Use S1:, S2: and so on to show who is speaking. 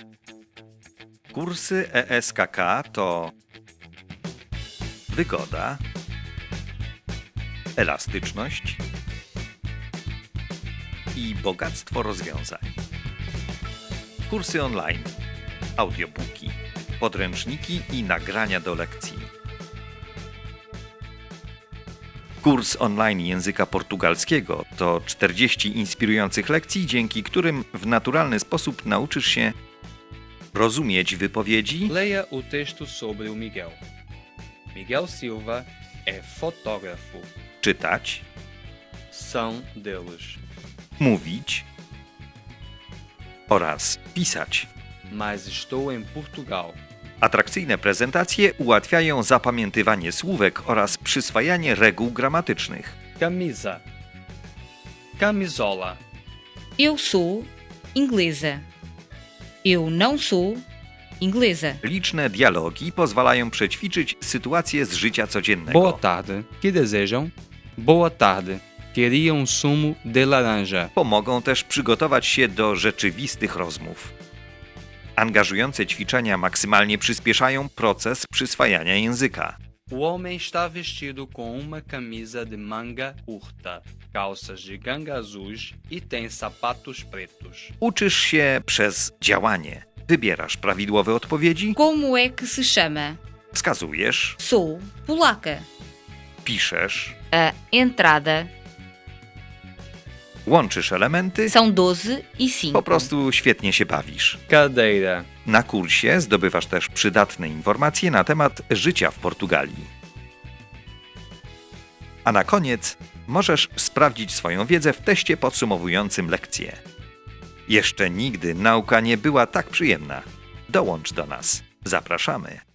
S1: Kursy ESKK to wygoda, elastyczność i bogactwo rozwiązań. Kursy online, audiobooki, podręczniki i nagrania do lekcji. Kurs online języka portugalskiego to 40 inspirujących lekcji, dzięki którym w naturalny sposób nauczysz się rozumieć wypowiedzi,
S2: Leia o texto sobre o Miguel. Miguel Silva é fotógrafo.
S1: czytać,
S2: São deles.
S1: mówić oraz pisać.
S2: Mas estou em Portugal.
S1: Atrakcyjne prezentacje ułatwiają zapamiętywanie słówek oraz przyswajanie reguł gramatycznych.
S2: Camisa. Camisola.
S3: Eu sou inglesa. Eu não sou inglesa.
S1: Liczne dialogi pozwalają przećwiczyć sytuacje z życia codziennego.
S2: Boa tarde. Que desejam? Boa tarde. Queria sumo de laranja.
S1: Pomogą też przygotować się do rzeczywistych rozmów. Angażujące ćwiczenia maksymalnie przyspieszają proces przyswajania języka.
S2: O homem está vestido com uma camisa de manga curta, calças de ganga azuis e tem sapatos pretos.
S1: Uczysz się przez działanie. Wybierasz prawidłowe odpowiedzi,
S3: Como é que se chama?
S1: wskazujesz,
S3: Sou polaca.
S1: piszesz,
S3: A entrada
S1: łączysz elementy,
S3: são 12 e 5.
S1: po prostu świetnie się bawisz.
S2: Cadeira.
S1: Na kursie zdobywasz też przydatne informacje na temat życia w Portugalii. A na koniec możesz sprawdzić swoją wiedzę w teście podsumowującym lekcję. Jeszcze nigdy nauka nie była tak przyjemna. Dołącz do nas. Zapraszamy.